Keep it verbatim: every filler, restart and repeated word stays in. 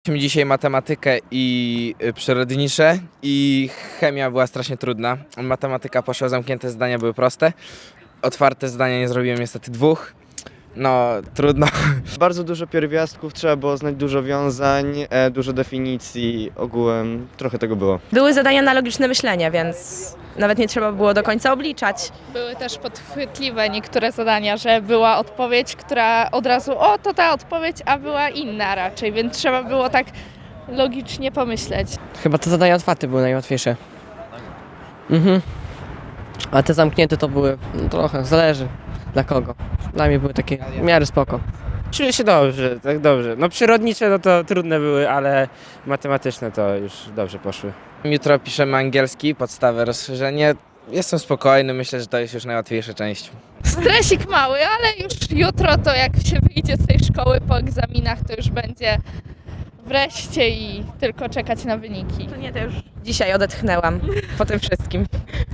Mieliśmy dzisiaj matematykę i y, przyrodnicze i chemia była strasznie trudna. Matematyka poszła, zamknięte zdania były proste. Otwarte zdania nie zrobiłem niestety dwóch. No, trudno. Bardzo dużo pierwiastków, trzeba było znać dużo wiązań, e, dużo definicji, ogółem trochę tego było. Były zadania na logiczne myślenie, więc nawet nie trzeba było do końca obliczać. Były też podchwytliwe niektóre zadania, że była odpowiedź, która od razu, o to ta odpowiedź, a była inna raczej, więc trzeba było tak logicznie pomyśleć. Chyba te zadania otwarte były najłatwiejsze. Mhm. A te zamknięte to były, no trochę, zależy dla kogo. Dla mnie były takie w miarę spoko. Czuję się dobrze, tak dobrze. No przyrodnicze no to trudne były, ale matematyczne to już dobrze poszły. Jutro piszemy angielski, podstawę, rozszerzenie. Jestem spokojny, myślę, że to jest już najłatwiejsza część. Stresik mały, ale już jutro to jak się wyjdzie z tej szkoły po egzaminach, to już będzie wreszcie i tylko czekać na wyniki. To nie, to już dzisiaj odetchnęłam po tym wszystkim.